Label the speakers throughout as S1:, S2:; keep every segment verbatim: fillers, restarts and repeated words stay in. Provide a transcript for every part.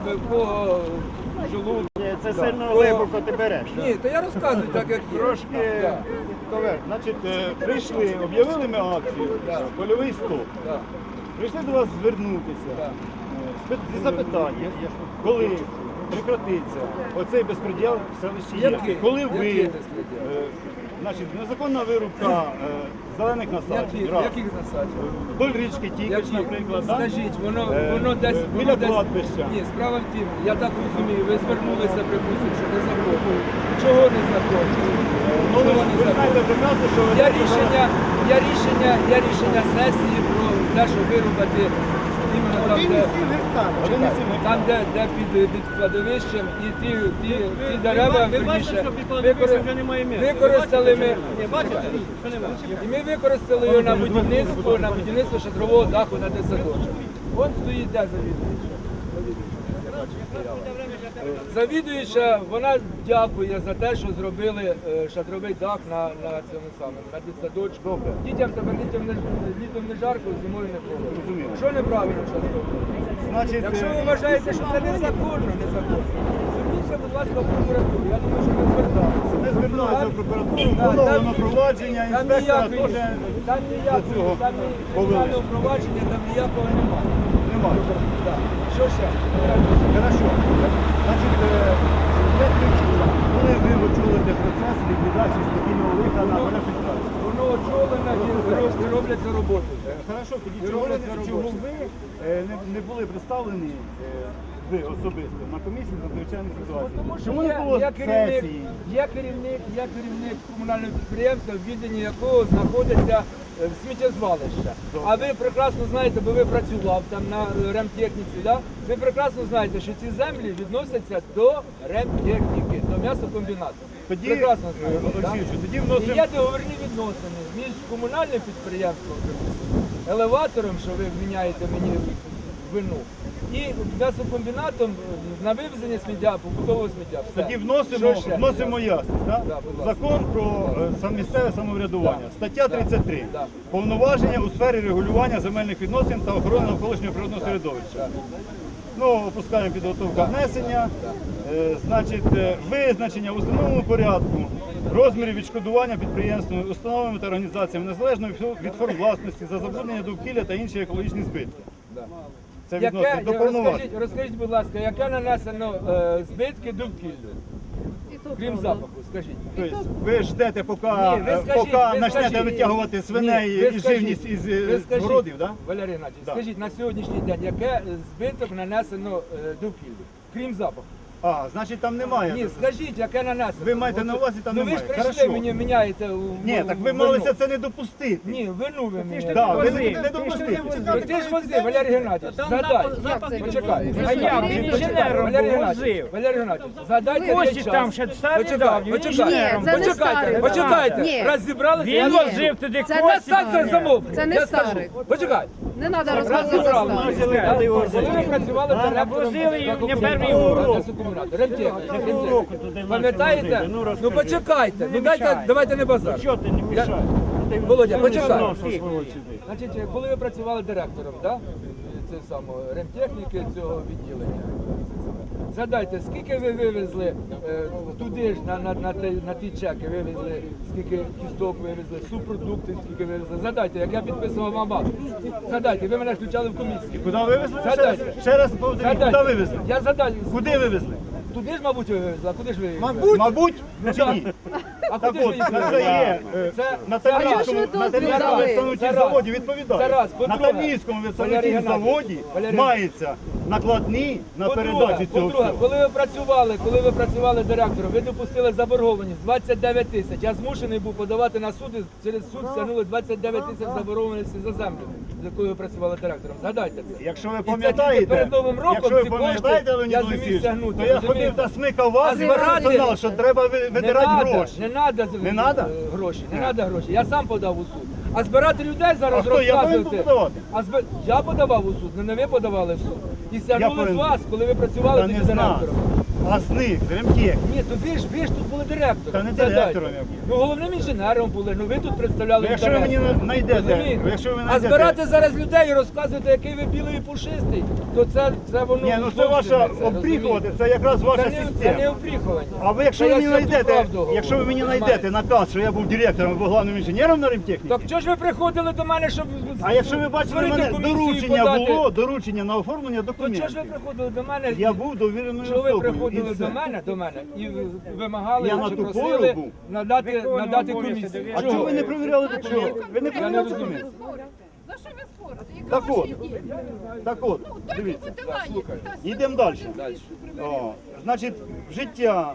S1: По желудку.
S2: Ні, це сильно глибоко ти береш.
S1: Ні, то я розказую так, як є.
S2: Трошки,
S1: Да.
S2: Ковер, значить, е, прийшли, об'явили ми акцію,
S1: Да.
S2: польовий стоп.
S1: Да.
S2: Прийшли до вас звернутися
S1: Да.
S2: е, з зі запитанням, коли прекратиться оцей безпреділ в селищі
S1: Який?
S2: Євки. Коли ви,
S1: Який безпреділ?
S2: е, значить, незаконна вирубка е, зелених насаджень,
S1: Які,
S2: раз.
S1: яких насаджень?
S2: Вдоль річки Тікич,
S1: Які?
S2: наприклад, да?
S1: Скажіть, воно,
S2: Е,
S1: воно десь...
S2: е,
S1: воно
S2: біля
S1: десь-
S2: кладбища.
S1: Ні, справа в тім, я так розумію, ви звернулися, припустимо, що незаконно. Чого незаконно?
S2: Ну, ви,
S1: Чого
S2: ви
S1: незаконно?
S2: знаєте прекрасно, що ви
S1: Є рішення, є рішення, є рішення сесії про те, що вирубати іменно там, де,
S2: Один і сім
S1: там, де, де під, під кладовищем, і ті, ті, ті дерева, верніше, викор- використали ми, і ми використали його на будівництво, на будівництво шатрового даху на десяточок. Вон стоїть де завідуюча. Завідуюча, вона дякує за те, що зробили е, шатровий дах на, на цьому самому, на дитсадочку. Дітям тепер літом не, літом не жарко, зимою не холодно.
S2: Розумію.
S1: Що неправильно зараз робити?
S2: Значить,
S1: Якщо ви
S2: е,
S1: вважаєте, що це незаконно, незаконно, зверніться, будь ласка, в прокуратуру. Я думаю, що ви зверталися.
S2: ми звернулися в прокуратуру,
S1: Так,
S2: було
S1: там-
S2: воно провадження,
S1: Там
S2: інспектора
S1: ніякої,
S2: теж
S1: там
S2: до
S1: ніякого,
S2: цього
S1: там
S2: повели.
S1: кримінального провадження, там ніякого немає.
S2: немає.
S1: Так. Що ще?
S2: Хорошо. Значить, е, як ви чули, коли ви очолите процес ліквідації стихійного лиха на Бережківській?
S1: Воно очолено і робляться роботи.
S2: Е, Хорошо, тоді
S1: Ви
S2: чого,
S1: робите
S2: ви- чого
S1: роботу.
S2: ви е, не, не були представлені, е, ви особисто, на комісії з надзвичайних ситуацій?
S1: Тому що
S2: Чому не
S1: є,
S2: було
S1: є, керівник,
S2: сесії?
S1: є, керівник, є керівник комунального підприємства, в відданні якого знаходиться е, сміттєзвалище. А ви прекрасно знаєте, бо ви працював там на е, ремтехніці, да? Ви прекрасно знаєте, що ці землі відносяться до ремтехніки, до м'ясокомбінату.
S2: Тоді,
S1: Прекрасно
S2: е,
S1: знаєте. да?
S2: Олексійовичу, тоді
S1: І
S2: вносимо...
S1: є договірні відносини між комунальним підприємством, припустимо, елеватором, що ви вміняєте мені вину, і м'ясокомбінатом на вивезення сміття, побутового сміття. Все.
S2: Тоді вносимо,
S1: Що ще?
S2: вносимо ясність. Да?
S1: Да, будь ласка.
S2: Закон про е, сам- місцеве самоврядування.
S1: Да.
S2: Стаття
S1: Да.
S2: тридцять три.
S1: Да.
S2: Повноваження у сфері регулювання земельних відносин та охорони навколишнього природного середовища. Ну, опускаємо підготовка внесення. Е, значить, е, визначення в установленому порядку розмірів відшкодування підприємствами, установами та організаціями незалежно від форм власності за забруднення довкілля та інші екологічні збитки.
S1: Да.
S2: Це
S1: Яке,
S2: відносить до повноважень.
S1: розкажіть, розкажіть, будь ласка, яке нанесено е, збитки довкіллю? Крім запаху, скажіть.
S2: Тобто ви ждете, поки,
S1: Ні, ви
S2: е,
S1: скажіть,
S2: поки
S1: ви
S2: почнете
S1: скажіть.
S2: витягувати свиней
S1: Ні, ви
S2: і
S1: скажіть,
S2: живність із
S1: ви
S2: е, з
S1: скажіть,
S2: городів, да?
S1: Валерій Геннадійович,
S2: Да.
S1: скажіть, на сьогоднішній день, яке збиток нанесено е, довкіллю? Крім запаху.
S2: А, значить там немає.
S1: Ні, скажіть, яке нанесено.
S2: Ви маєте на увазі, там
S1: ну, ви ж
S2: немає.
S1: прийшли,
S2: Хорошо.
S1: мені міняєте у
S2: Ні, так ви
S1: вину.
S2: малися це не допустити.
S1: Ні, вину ви мені.
S2: Да, ви
S3: возив.
S2: не, не допустити.
S1: Ну, ти ж возив, Валерій Геннадійович, задай. Почекай.
S3: А я
S1: Почекай.
S3: інженером
S1: Валерій
S3: був,
S1: Геннадійович,
S3: возив.
S1: Валерій Геннадійович, задайте
S3: Кості
S1: мені час.
S3: там ще старі
S1: Почекай,
S3: давні, він
S1: почекай.
S3: інженером
S4: Ні, це не
S1: Почекайте,
S4: старий.
S1: почекайте.
S4: Ні.
S1: Раз зібралися, я
S3: Він
S1: скажу.
S3: возив туди
S4: Це не
S3: кості.
S1: Станьте замовкніть.
S4: Це не
S1: Я скажу.
S4: старий.
S1: Почекай.
S4: Не треба
S1: Раз
S4: розказувати
S1: зібралися.
S4: старий.
S1: Да? Коли ви працювали
S3: А,
S1: директором
S3: возили їх не
S1: Какого
S3: перший
S1: комунального
S3: урок.
S1: комунального, ремтехніки, ремтехніки.
S3: року туди
S1: Пам'ятаєте?
S3: возили? Ну, розкажи.
S1: Ну почекайте, ну дайте,
S3: мішай.
S1: давайте не базар.
S3: Що ти не мішай? Ти
S1: Володя,
S3: не
S1: почекай.
S3: знав, що свого сюди.
S1: Значить, коли ви працювали директором, да? Це саме ремтехніки цього відділення. Згадайте, скільки ви вивезли е, туди ж на, на, на, ті, на ті чеки, вивезли, скільки кісток вивезли, супродуктів, скільки вивезли. Згадайте, як я підписував вам акт. Згадайте, ви мене включали в комісію.
S2: Куди вивезли? Ще раз,
S1: Згадайте.
S2: ще раз повторіть, куди
S1: Згадайте.
S2: вивезли?
S1: Я задаю.
S2: Куди вивезли?
S1: Туди ж, мабуть, ви вивезли, а куди ж ви їх
S2: Мабуть,
S1: вивезли?
S2: мабуть, чи ні?
S1: А
S2: Так
S1: куди ж ви
S2: от,
S1: їх
S2: на це
S1: вивезли?
S2: є е,
S1: Це-
S2: на
S1: це
S4: раз.
S2: Таврійському
S4: А чого ж ви
S2: на
S4: дозвіл
S2: Таврійському
S4: дали?
S2: виставнутій
S1: Це раз.
S2: заводі
S1: Це
S2: відповідає.
S1: раз.
S2: На
S1: По-друге,
S2: Таврійському
S1: Валерій
S2: виставнутій
S1: Геннадійович,
S2: заводі
S1: Валерій-
S2: мається накладні на
S1: По-друге,
S2: передачу цього
S1: по-друге,
S2: всього.
S1: коли ви працювали, коли ви працювали директором, ви допустили заборгованість двадцять дев'ять тисяч. Я змушений був подавати на суд, і через суд стягнули двадцять дев'ять тисяч заборгованості за землю, з якою ви працювали директором. Згадайте це.
S2: Якщо ви
S1: І це тільки
S2: пам'ятаєте,
S1: перед Новим роком
S2: якщо ви
S1: ці кошти
S2: пам'ятаєте, Леонід
S1: я зумів
S2: Олексійович,
S1: стягнути,
S2: то я
S1: розумієте?
S2: ходив та смикав вас
S1: А
S2: і
S1: збирати-
S2: персонал, що треба ви-
S1: Не
S2: видирати
S1: надо,
S2: гроші.
S1: не надо, з-
S2: Не надо?
S1: е, гроші, не надо гроші. Я сам подав у суд. А збирати людей зараз
S2: А хто, я повинен
S1: розказувати.
S2: подавати?
S1: А зб... Я подавав у суд, не ви подавали в суд. І стягнули з
S2: повинен.
S1: вас, коли ви працювали
S2: Та
S1: тоді
S2: не з нас.
S1: директором.
S2: а з них, з ремтех.
S1: Ні, то ви ж ви ж тут були директором.
S2: Та не
S1: Згадайте.
S2: директором я був.
S1: Ну головним інженером були. Ну ви тут представляли.
S2: Ну, якщо ви
S1: інтереси.
S2: мені знайдете,
S1: Розумієте?
S2: якщо ви
S1: А
S2: знайдете-
S1: збирати зараз людей і розказувати, який ви білий і пушистий, то це, це воно.
S2: Ні, ну це
S1: зовсім
S2: ваша
S1: не це,
S2: обріхувати,
S1: розумієте?
S2: це якраз ваша
S1: Це не, це не
S2: система.
S1: обріхування.
S2: А ви якщо
S1: Це
S2: ви мені
S1: я святу
S2: знайдете,
S1: правду говорю.
S2: якщо ви мені
S1: Розумієте?
S2: знайдете наказ, що я був директором або головним інженером на ремтехніці,
S1: Так чого ж ви приходили до мене, щоб
S2: а якщо ви бачили
S1: створити
S2: мене,
S1: комісію
S2: доручення
S1: подати?
S2: було, доручення на оформлення
S1: То чого ж ви
S2: документів.
S1: приходили до мене?
S2: Я
S1: і-
S2: був довіреною
S1: Чого ви
S2: особою.
S1: приходили
S2: і все.
S1: до мене, до мене і ви- вимагали,
S2: Я на
S1: чи
S2: ту
S1: просили
S2: пору був.
S1: надати,
S3: Виконував
S1: надати
S3: обов'язки
S1: комісію?
S3: довіреного.
S2: А чого ви не провіряли документи? Ви не
S1: Я не
S2: провіряли
S1: розумію.
S2: документи?
S4: За що ви спорите? Яка
S2: Так
S4: ваша
S2: от,
S4: ідея?
S2: так от,
S4: Ну, дайте
S2: дивіться.
S4: мотивацію.
S1: слухаю.
S4: Та
S2: Йдемо далі.
S1: Далі.
S2: О, значить, життя,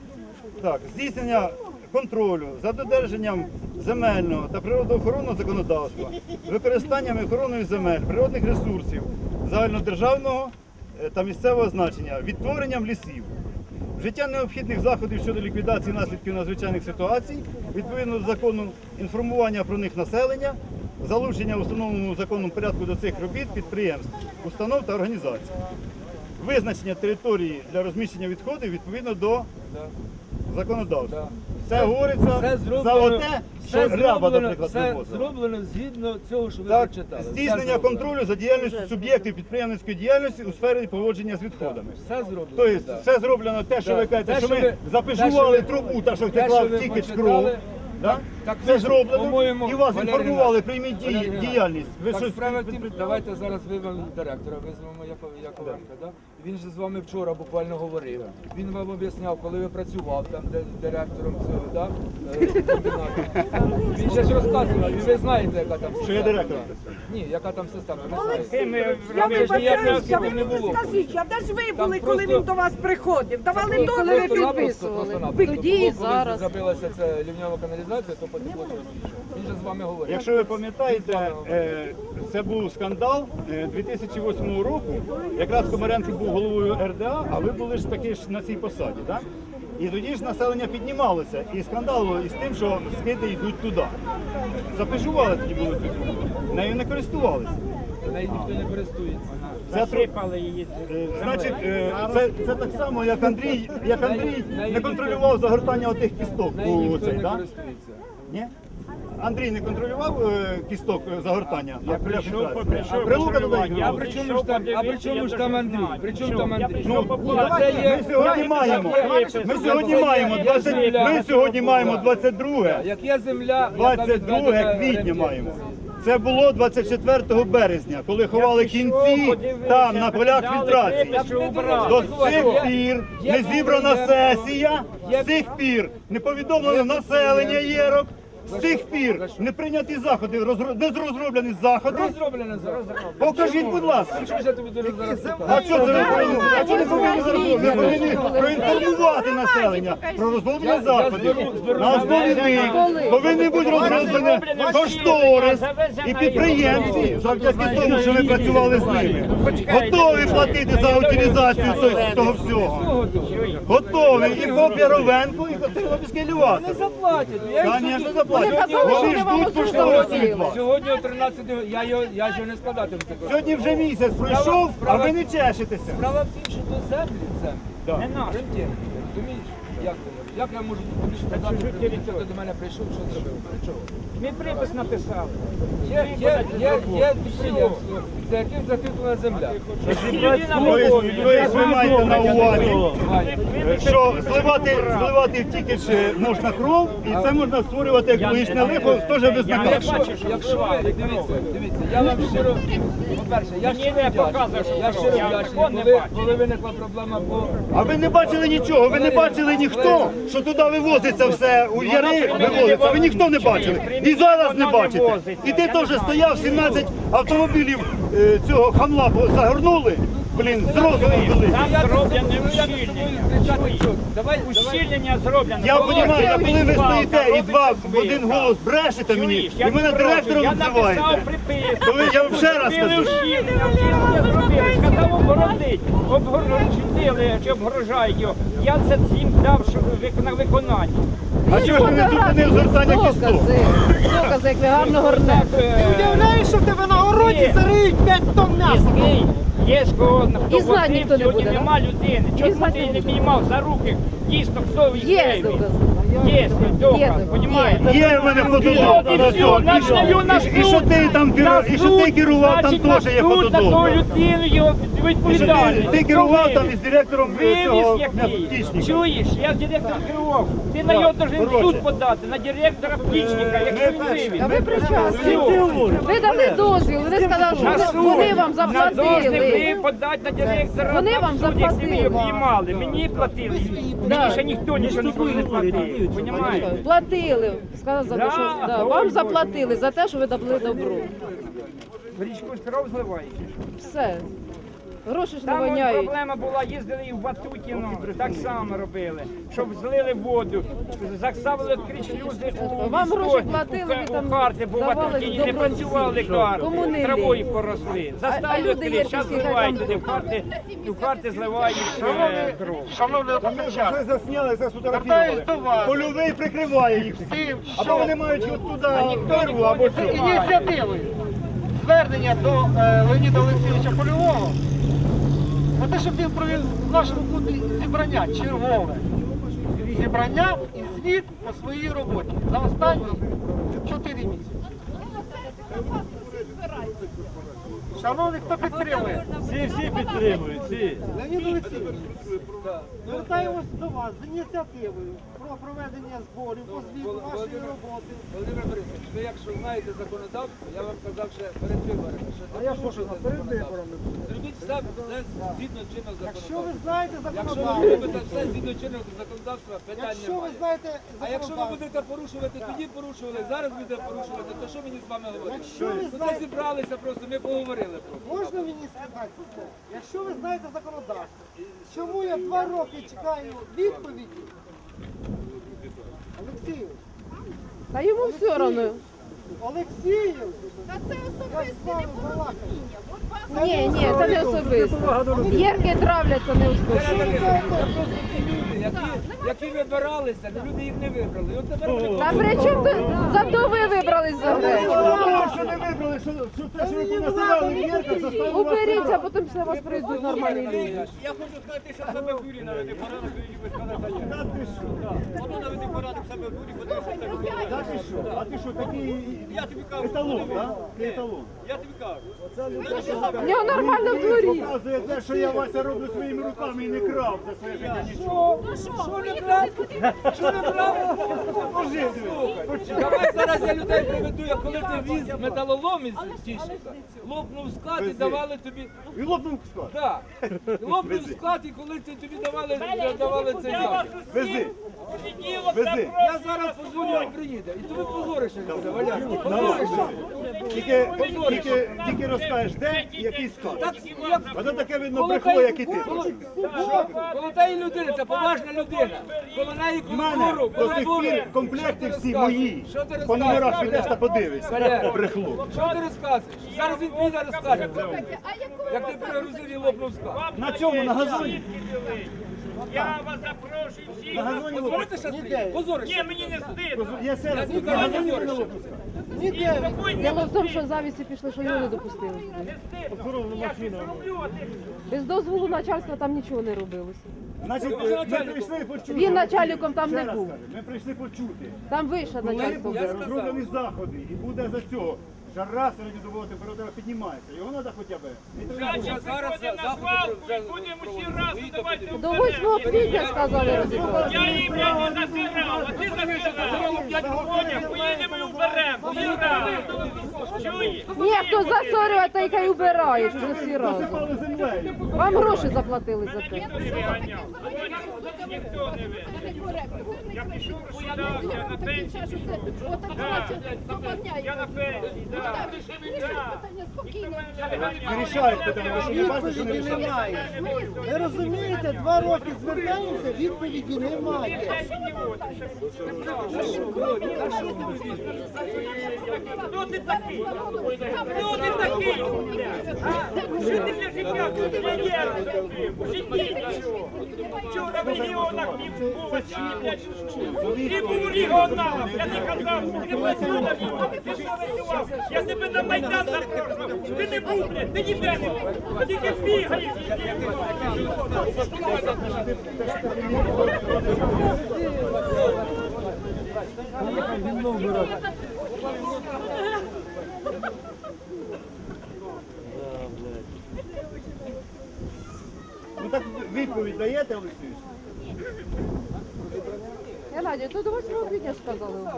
S2: так, здійснення контролю за додержанням земельного та природоохоронного законодавства, використанням і охороною земель, природних ресурсів загальнодержавного е, та місцевого значення, відтворенням лісів, вжиття необхідних заходів щодо ліквідації наслідків надзвичайних ситуацій, відповідно до закону інформування про них населення, залучення в установленому законом порядку до цих робіт підприємств, установ та організацій. Визначення території для розміщення відходів відповідно до законодавства.
S1: Да.
S2: Це говориться
S1: Все
S2: за
S1: зроблено,
S2: оте, що
S1: все
S2: ряба,
S1: зроблено,
S2: наприклад,
S1: все
S2: вивозила.
S1: зроблено згідно цього, що ви
S2: Так,
S1: прочитали. Все
S2: здійснення
S1: зроблено.
S2: контролю за діяльністю суб'єктів підприємницької діяльності у сфері поводження з відходами.
S1: Все зроблено.
S2: Тобто
S1: да.
S2: все зроблено те, що
S1: Да.
S2: ви кажете,
S1: Те,
S2: що
S1: що
S2: ми
S1: ви-
S2: запишували
S1: те, що ви-
S2: трубу, та що
S1: те,
S2: втекла
S1: що ви
S2: тільки з кров.
S1: почитали,
S2: Да?
S1: так- так
S2: Це
S1: ви ж,
S2: зроблено,
S1: по-моєму,
S2: і вас
S1: Валерій
S2: інформували,
S1: Іванович,
S2: прийміть
S1: Валерій
S2: дії-
S1: Іванович,
S2: діяльність. Ви
S1: Так
S2: щось
S1: справа в тім,
S2: під-
S1: давайте зараз вивемо директора, визвемо Яко- Яковенка. Да? Він же з вами вчора буквально говорив. Він вам об'ясняв, коли ви працював там де, директором цього, да? е, комбінату. Він же ж розказував, і ви знаєте, яка там система.
S2: Що я директором
S1: да.
S2: працюю?
S1: Ні, яка там система, ви
S3: Ким ви
S1: знаєте.
S3: робили?
S5: Я
S1: Ви ж ніяк не
S5: вибачаюся, ви
S1: не було.
S5: скажіть, а де ж ви
S1: Там
S5: були, коли
S1: просто-
S5: він до вас приходив? Давали
S1: Просто-
S5: дозвіл,
S1: просто
S5: він
S1: напросто,
S5: підписували.
S1: просто-напросто.
S6: Тоді і
S1: Було, коли
S6: зараз.
S1: забилася ця лівньова каналізація, то потекло через річку. Він же з вами говорив.
S2: Якщо ви пам'ятаєте, е, це був скандал е, дві тисячі восьмого року. Якраз Комаренко був головою ер де а, а ви були ж таки ж на цій посаді. Так? І тоді ж населення піднімалося. І скандалило із тим, що скиди йдуть туди. Запежували тоді були тут. Нею не користувалися.
S1: Нею ніхто не користується.
S2: Це тр-
S3: Засипали її.
S2: Е, Значить, е, це, це так само, як Андрій, як Андрій не контролював загортання отих кісток.
S1: Нею
S2: у
S1: ніхто
S2: цей,
S1: не
S2: да?
S1: користується.
S2: Ні? Андрій не контролював е, кісток е, загортання?
S3: Я
S2: А
S3: прийшов,
S2: а
S3: прийшов
S2: Прилука туди
S3: контролювати.
S2: їх
S1: А
S2: вивозив?
S1: при чому ж там, а при чому ж там Андрій? При чому там Андрій?
S2: Ну,
S1: Ні, це є-
S2: ми сьогодні
S1: є-
S2: маємо,
S1: є-
S2: ми
S1: є-
S2: сьогодні
S1: є-
S2: маємо
S1: є
S2: двадцять,
S1: земля.
S2: ми сьогодні маємо двадцять друге,
S1: Як є земля, яка
S2: двадцять
S1: відведена
S2: друге квітня
S1: оренді.
S2: маємо. Це було двадцять четвертого березня, коли ховали кінці там на полях фільтрації. До цих пір не зібрана сесія, з цих пір не повідомлено населення єрок, з цих пір не прийняті заходи, розро- не розроблені заходи.
S1: Розроблено зараз.
S2: Покажіть, будь ласка.
S1: Що ж я тобі дуже зараз
S2: А
S1: питаю?
S2: що це ви повинні? А чого не повинні зараз? Ви повинні проінформувати населення про розроблення заходів. На основі них повинні бути розроблені кошторис і підприємці, завдяки тому, що ви працювали з ними, готові платити за утилізацію цього- того всього. Готові і по Піровенку, і по Тернопільській
S1: Не заплатять. Я їх
S2: Звісно,
S1: сьогодні-
S2: заплатять.
S1: сьогодні-
S2: Вони ждуть кошторису від вас.
S1: Сьогодні о тринадцятій, я його, я ж його не складатиму.
S2: Сьогодні вже місяць пройшов, а ви не чешетеся.
S1: Справа в тім, що то землі, землі.
S2: Да.
S3: Не наш.
S1: Рентєнки, розумієш? Як це? Як я можу тобі сказати, що ти до мене прийшов, що зробив? При чому?
S3: Ми припис написали.
S1: Є, є, є, є підприємство, за яким закріплена земля.
S2: Тобто ви маєте на увазі, що зливати, зливати тільки ж можна кров, і це можна створювати екологічне лихо, теж без наказу.
S1: Якщо, якщо ви, дивіться, дивіться, я вам щиро, по-перше, я
S3: Мені
S1: щиро
S3: не
S1: вдячний,
S3: показує, що
S1: я
S3: кров.
S1: щиро
S3: Я
S1: вдячний,
S3: такого не
S1: коли,
S3: бачу.
S1: коли виникла проблема по...
S2: А ви не бачили нічого, ви не бачили ніхто, що туди вивозиться все, у яри вивозиться, ви ніхто не бачили. І зараз не бачите. І ти теж стояв, сімнадцять автомобілів е, цього хамла загорнули, блін, з розуму вели.
S3: Там
S1: Я
S3: зроблено
S1: я з тобою
S3: ущільнення.
S1: кричати, що? Давай, давай.
S3: Ущільнення зроблено.
S2: Я
S3: Володя,
S2: розумію, а коли ви
S3: свалка,
S2: стоїте і два в
S3: робиться
S2: один
S3: свалка.
S2: голос брешете мені,
S3: Чуєш,
S2: і
S3: я
S2: мене
S3: не проти.
S2: директором
S3: Я написав
S2: називаєте.
S3: приписку.
S2: То ви- я вам ще раз
S3: Зробили
S2: кажу.
S3: ущільнення, ущільнення зробили. Сказав обгородить. Обгородили, чи обгрожають його. Я це всім дав що вик- на виконання.
S2: А чого ж ви не зупинив згортання кісток?
S6: Докази, докази, як ви гарно горнете.
S3: Ти
S5: Уявляєш, що в тебе на городі зариють п'ять тонн м'яса?
S3: Є кого, хто
S5: І знати
S3: возив,
S5: ніхто не
S3: сьогодні
S5: буде,
S3: нема людини. Чому
S5: знати
S3: ти
S5: не
S3: не
S5: буде.
S3: піднімав за руки? Дійсно, хто він
S5: Є
S3: є?
S5: докази.
S3: Є доказ,
S5: Є.
S3: понімаєте?
S2: Є в мене
S3: І
S2: фотодок.
S3: все, начнемо на суд.
S2: І що ти там керу-
S3: На
S2: і що ти
S3: суд,
S2: керував, там
S3: значить, на
S2: теж є
S3: суд на
S2: фотодок.
S3: ту людину його
S2: І що ти,
S3: відповідальність.
S2: ти керував там із директором
S3: Вивіз
S2: цього
S3: який?
S2: птічника.
S3: Чуєш, я директор керував. Ти на нього должен в
S2: коротше.
S3: суд подати, на директора птічника, якщо він вивіз.
S5: Та ви при часі.
S3: Все.
S5: Ви дали дозвіл, вони сказали,
S3: На
S5: що
S3: суд.
S5: вони вам
S3: На дозвіл
S5: заплатили.
S3: ви подати на директора.
S5: Вони
S3: на
S5: вам
S3: суд, якщо ви
S5: заплатили.
S3: його обіймали. Мені платили. Мені ще ніхто нічого ніколи не платив. Понімаєте?
S5: Платили. Сказали,
S3: Да,
S5: що да,
S3: ой,
S5: вам
S3: Боже.
S5: заплатили за те, що ви дали добро.
S3: В річку кров зливаєш.
S5: Все. Гроші ж не
S3: Там от
S5: воняють.
S3: проблема була, їздили і в Ватутіно, так само робили, щоб злили воду, заставили відкрити шлюзи у
S5: Вам
S3: військо-
S5: гроші платили, ви
S3: у
S5: там
S3: карти, бо в
S5: давали
S3: Ватутіні не
S5: добро
S3: працювали
S5: всім.
S3: карти,
S5: Кому не
S3: травою
S5: лінь.
S3: поросли.
S5: А- а
S3: Заставили
S5: люди
S3: відкрити,
S5: є
S3: зараз
S5: такі,
S3: зливають
S5: хай
S3: туди
S5: там-
S3: в карти, і в карти зливають е, кров.
S2: Це засняли, це сфотографували. Польовий прикриває їх всім. Або вони мають от туди перву, або цю.
S6: Ініціативи звернення до е, Леоніда Олексійовича Польового на те, щоб він провів в нашому клубі зібрання чергове. Зібрання і звіт по своїй роботі за останні чотири місяці. Шановні, хто підтримує?
S2: Всі, всі підтримують, всі.
S6: Леонід Олексійович, звертаємось до вас з ініціативою про проведення зборів по звіту вашої роботи.
S1: Володимир Борисович, ви якщо знаєте законодавство, я вам казав ще перед виборами, що
S6: А я що ж, перед виборами?
S1: зробіть все все згідно чинного
S6: Якщо ви
S1: законодавства.
S6: знаєте
S1: Якщо ви
S6: законодавство,
S1: робите все згідно чинного законодавства, питань
S6: якщо ви
S1: немає.
S6: знаєте
S1: А якщо ви
S6: законодавство,
S1: будете порушувати, тоді порушували, зараз будете порушувати, то що мені з вами говорити?
S6: Якщо ви
S1: Ну, це
S6: знаєте-
S1: зібралися просто, ми поговорили просто.
S6: можна мені сказати, якщо ви знаєте законодавство, чому я два роки чекаю відповіді? Олексію,
S5: Та йому все одно.
S6: Олексію,
S4: Та це особисте непорозуміння. От вас
S5: Ні, ні, це не особисто. Єрки травляться не услышать.
S1: Це просто ці люди, які, які вибиралися, але люди їх не вибрали. І от тепер вони
S5: Та при чому тут? Зато ви вибрались за гречку.
S2: Що не вибрали, що, що те, що ви понаселяли в Єрках, заставили вас
S5: Уберіться, потім після вас прийдуть нормальні люди.
S3: Я хочу сказати, що себе в дурі наведе порядок,
S2: Та ти що?
S3: воно наведе порядок себе в дурі,
S2: Та ти що? А ти що, такий еталон, так? Ти еталон.
S3: я тобі кажу.
S5: В нього нормально в дворі.
S2: Показує те, що я Вася роблю своїми руками і не крав за своє життя нічого.
S1: що не брав? Що не брав? Слухай, давай зараз я людей приведу, як коли ти віз металолом із Тіщика, лопнув склад і давали тобі.
S2: І лопнув склад.
S1: Так, лопнув склад і коли ти тобі давали, давали цей захід.
S2: Вези. Вези.
S1: Я зараз позвоню, він приїде. І тобі позорище буде, Валяр. Позорище.
S2: Тільки, тільки, тільки розкажеш, де і який склад.
S1: Так, як
S2: Воно таке видно брехло, як і ти.
S1: коло тієї людини, це поважна людина. Коло неї
S2: У мене
S1: культуру,
S2: до сих пір комплекти всі мої. По номерах підеш та подивишся.
S1: Валерій.
S2: Брехло.
S1: Що ти розказуєш? Зараз він піде розкаже.
S4: а якою
S1: Як ти перегрузив і лопнув склад.
S2: На цьому, на газоні.
S3: Я вас запрошую всіх.
S2: На газоні лопнув.
S1: Позорите ще стоїть? Позорище.
S3: Ні, мені не стидно.
S2: Я ще раз,
S1: Я
S2: на газоні
S1: ніде
S2: не
S1: не
S2: лопнувся.
S6: ніде.
S5: Дело в тому, що завісті пішли, що його не допустили.
S3: Я ж зроблю, а ти
S5: Без дозволу начальства там нічого не робилося.
S2: Значить, ми прийшли почути.
S5: Він начальником там
S2: Ще
S5: не
S2: раз
S5: був.
S2: кажу, Ми прийшли почути.
S5: Там вище начальство
S2: Коли
S5: було.
S2: розроблені заходи і буде за цього. Жара середньодобова температура піднімається. Його треба хоча б.
S3: значить виходимо на свалку і будемо всі разом давайте
S5: До восьмого квітня сказали розібрати.
S3: Я її, блядь, не засирав, а ти засирав. П'ять років поїдемо і уберемо. Всі разом. Чуєш?
S5: Ні, хто засорює, та й хай убирає, що всі разом.
S2: Засипали землею.
S5: Вам гроші заплатили за те.
S3: Ніхто не виганяв. Ніхто не виганяв. Я пішов, розсудався на пенсію. Я на пенсії, так.
S2: Вирішають питання, ви що не бачите, що не
S6: Відповіді
S2: рішають?
S6: немає. Ви розумієте, знаєте, два роки звертаємося, відповіді немає.
S3: Хто ти такий? Хто ти такий? А? Що ти для життя пенсіонер зробив? В житті нічого. Вчора в регіонах не був, а чи не блядь? Ти був регіоналом, я не казав, ти працював на регіонах, ти що працював? Я тебе на Майдан запрошував, ти не був, блядь, ти ніде не був, ти тільки бігаєш.
S2: Ну так відповідь даєте, Олексій?
S5: Геннадій, то до восьмого квітня ж казали у вас.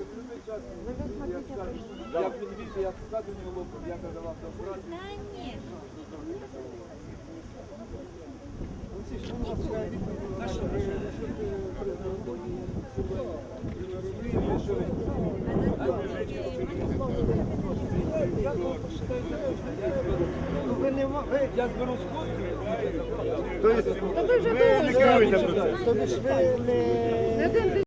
S1: Як він візе, як скажу не лопу, я казав до брати.
S6: Ви не мо- ви,
S1: Я зберу сходки.
S2: Тобто ви не керуєте процесом.
S6: тобі ж ви не
S5: Не один